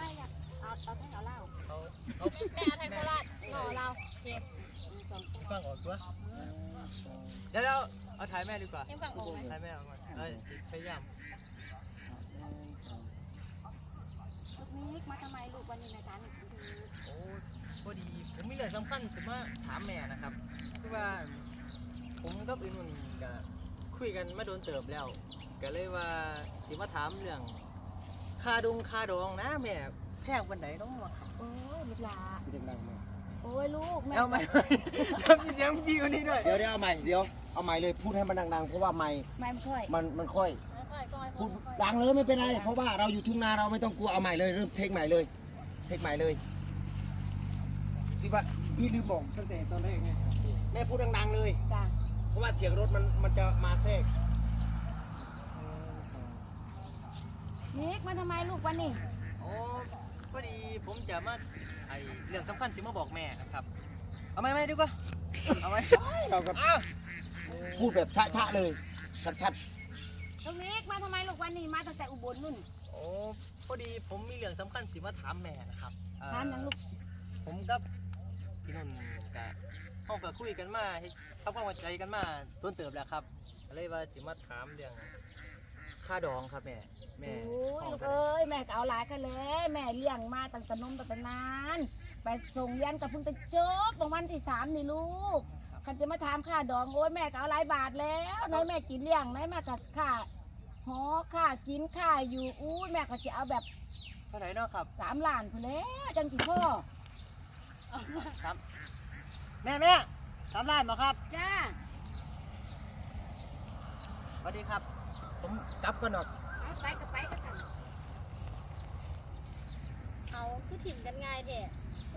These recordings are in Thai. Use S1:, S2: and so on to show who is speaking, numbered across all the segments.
S1: ไม่อยากเอาแท่งเอาเหล้า
S2: เอาแม่เอาไทยโคราชหน่อเราเก็บ
S3: ฟังออกตัวเดี๋ยวเอาถ่ายแม่ดีกว่า
S2: เอ็มฟังออกไหม
S3: ถ่ายแม่ออกก่อนพยายาม
S1: ลูกนี้มาทำไมลูกวันนี้นะจ๊ะ
S3: โอ้พอดีผมมีเรื่องสำคัญสิมาถามแม่นะครับคือว่าผมกับอื่นวันนี้ก็คุยกันมาโดนเติบแล้วก็เลยว่าสิมาถามเรื่องค่าดองนะแม่แพงวันไหนน้องครับ
S1: โอ้ยลูกหลา
S4: เสียงดังมาก
S1: โอ้ยลูกแม่
S3: เอาใหม่ทำเสียงพี่คนนี้ด้วย
S4: เดี๋ยวเอาใหม่เอาใหม่เลยพูดให้มันดังๆเพราะว่าไมค์
S1: ไม่ค่อย
S4: มันค่อยพูดดังเลยไม่เป็นไรเพราะว่าเราอยู่ทุ่งนาเราไม่ต้องกลัวเอาใหม่เลยเริ่มเทคใหม่เลยพี่ลืมบอกตั้งแต่ตอนแรกไงแม่พูดดังๆเลย
S1: จ้ะ
S4: เพราะว่าเสียงรถมันจะมาแทรก
S1: นิกมาทำไมลูกวันนี้
S3: โอ้พอดีผมจะมาเรื่องสำคัญสิมาบอกแม่นะครับเอาไหมดีกว่าเอาไหม
S4: เราก็พูดแบบช้าๆเลยชัด
S1: ลูกนิกมาทำไมลูกวันนี้มาตั้งแต่อุบลนู่น
S3: โอ้พอดีผมมีเรื่องสำคัญสิมาถามแม่นะครับ
S1: ถามยังลูก
S3: ผมกับพี่นุ่นกับเขาก็คุยกันมาทำความเข้าใจกันมาต้นเติบแล้วครับเลยว่าสิมาถามเรื่องค่าดองครับแม่
S1: โอ้
S3: ห้
S1: ย
S3: อง
S1: ลูก
S3: เท่าไหร่
S1: เอ้ยแม่ก็เอาหลายกันเลยแม่เลี้ยงมาตั้งแต่นมตั้งแต่นานไปส่งเรียนกับเพิ่งจะจบตรงวันที่3นี่ลูกคันจะมาถามค่าดองโอ้ยแม่ก็เอาหลายบาทแล้วไหนแม่กินเลี้ยงไหนแม่ก็ค่าหอค่ากินค่าอยู่อู้ยแม่ก็จะเอาแบบ
S3: เท่าไหร่เนาะครับ
S1: 3 ล้านพุ่นแล้วจังสิพ่อ
S3: ครับแม่3 ล้านมาครับ
S1: จ้า
S3: สวัสดีครับ ผมกลับก่อนหรอก
S1: เอาไปก็สั่ง
S2: เอาคือถิ่มกันง่ายแท้โอ้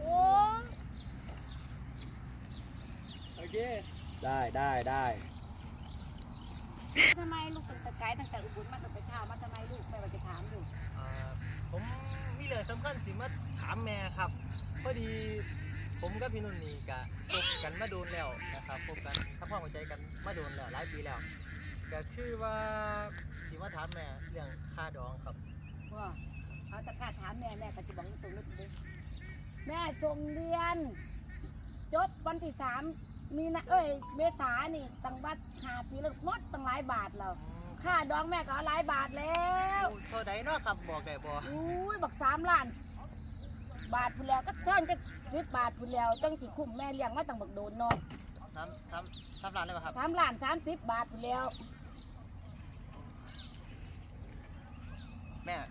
S3: โอเค
S4: ได้
S1: ทำไมลูกตั้งแต่ไกลตั้งแต่อุบลมาตั้งแต่เช้ามาทำไมลูกแม่ว่าจะถามอยู่
S3: ผมมีเรื่องสำคัญสิมาถามแม่ครับพอดีผมกับพี่นุ่นนี่ก็คบกันมาโดนแล้วนะครับคบกันทำความเข้าใจกันมาโดนแล้วหลายปีแล้วก็คือว่าสิมาถามแม่เรื่องค่าดองครับ
S1: ว่าเขาจะกล้าถามแม่ก็จะบอกตรงนี้เลยแม่ส่งเรียนจบวันที่3มีนะเมษานี่ตั้งบัตร5 ปีแล้วหมดตั้งหลายบาทแล้วค่าดองแม่ก็เอาหลายบาทแล้ว
S3: เท่าใดเนาะครับบอกได้บ่
S1: อุ้ยบัก3 ล้านบาทพุ่นแล้วก็เท่าจะ10 บาทพุ่นแล้วจังสิคุ้มแม่เลี้ยงมาตั้งบักโดนเนาะ
S3: 3 ล้านเลยป่ะครับ
S1: 3 ล้าน30 บาทพุ่นแล้ว
S3: แม่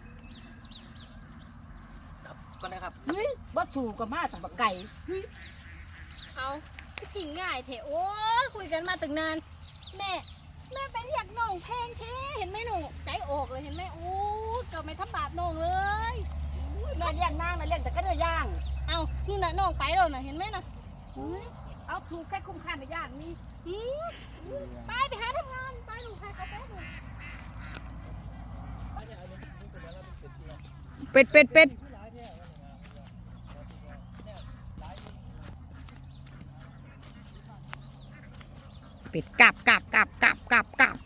S3: ครับก่อนนะครับ
S1: เฮ้ยบ่สู่กับมาตั้งบักไก่
S2: เอาคือถิ่มง่ายแท้โอ้คุยกันมาตั้งนานแม่ไปเรียกน้องแพงแท้เห็นไหมหนูใจออกเลยเห็นไหมโอ้ก็ไม่ทำบาปน้องเลย
S1: แม่เลี้ยงนางนะเลี้ยงแต่ก็เนื้อย่าง
S2: เอานู่นน่ะน้องไปแล้วน่ะเห็นไหมน่ะ
S1: เอาถูกแค่คุ้มค่าในย่างนี่
S2: ไปหาทำงานไปหนูใครเขาไปหนู
S5: เป็ดกลับ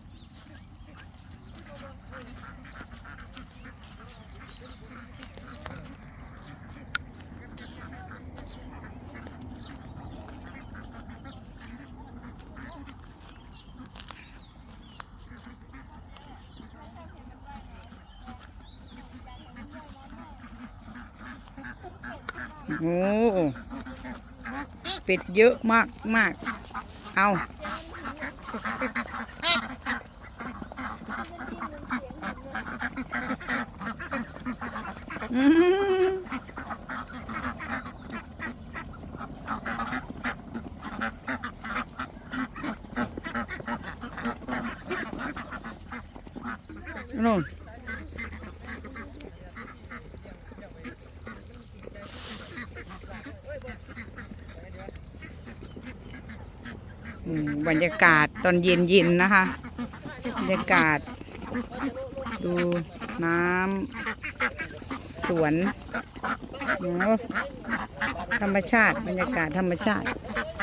S5: โอ้เป็ดเยอะมากเอาอืมนู่นบรรยากาศตอนเย็นนะคะบรรยากาศดูน้ำสวนธรรมชาติบรรยากาศธรรมชาติ